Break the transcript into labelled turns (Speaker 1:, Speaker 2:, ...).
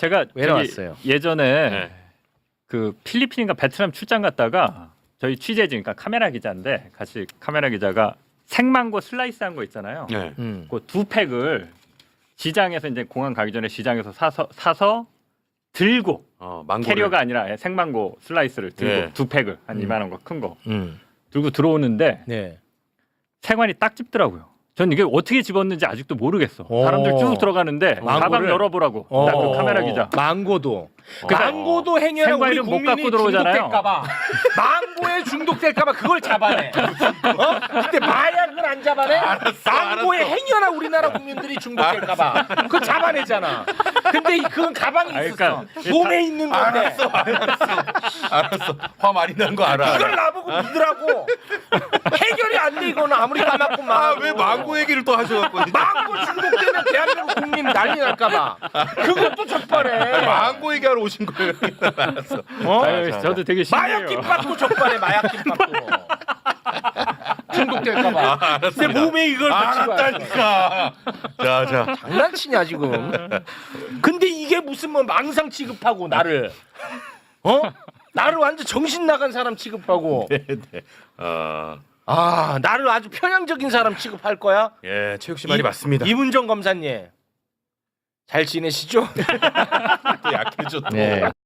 Speaker 1: 제가
Speaker 2: 왜 나왔어요?
Speaker 1: 예전에
Speaker 3: 네.
Speaker 1: 그 필리핀인가 베트남 출장 갔다가 저희 취재진, 그러니까 카메라 기자인데 같이 카메라 기자가 생망고 슬라이스한 거 있잖아요.
Speaker 3: 네.
Speaker 1: 그 두 팩을 시장에서 이제 공항 가기 전에 시장에서 사서 들고
Speaker 3: 망고를.
Speaker 1: 캐리어가 아니라 생망고 슬라이스를 들고
Speaker 3: 네.
Speaker 1: 두 팩을 한 이만한 거 큰 거
Speaker 2: 음.
Speaker 1: 들고 들어오는데
Speaker 2: 네.
Speaker 1: 세관이 딱 집더라고요. 전 이게 어떻게 집었는지 아직도 모르겠어.
Speaker 2: 오.
Speaker 1: 사람들 쭉 들어가는데 가방
Speaker 2: 망고를?
Speaker 1: 열어보라고. 나 그 카메라 기자.
Speaker 2: 망고도.
Speaker 1: 그래서
Speaker 2: 망고도 행여나 우리
Speaker 1: 생과일은 못
Speaker 2: 국민이
Speaker 1: 갖고 들어오잖아요.
Speaker 2: 중독될까봐 망고에 중독될까봐 그걸 잡아내. 근데 마약은 안 잡아내. 망고에 행여나 우리나라 국민들이 중독될까봐 그거 잡아내잖아. 근데 그건 가방에 있었어.
Speaker 1: 그러니까
Speaker 2: 몸에 있는 건데.
Speaker 3: 알았어. 화 많이 난 거 알아.
Speaker 2: 이걸 나보고 믿으라고. 해결이 안 돼 이거는 아무리 까맣고 망고.
Speaker 3: 왜 망고 얘기를 또 하셔갖고.
Speaker 2: 망고 중독되면 대한민국 국민 난리 날까봐. 그것도 적발해.
Speaker 3: 망고 얘기하러 오신 거예요. 알았어.
Speaker 1: 아유, 저도 되게 신기해요.
Speaker 2: 마약 김밥도 적발해. 마약 김밥도. 중독될까봐. 내 몸에 이걸 붙이고
Speaker 3: 알았다니까. 자.
Speaker 2: 장난치냐 지금. 근데 이게 무슨 뭐 망상 취급하고 나를 나를 완전 정신 나간 사람 취급하고 나를 아주 편향적인 사람 취급할 거야?
Speaker 3: 예, 최욱 씨 말이 맞습니다.
Speaker 2: 이문정 검사님 잘 지내시죠?
Speaker 3: 또 약해졌고.
Speaker 2: 네.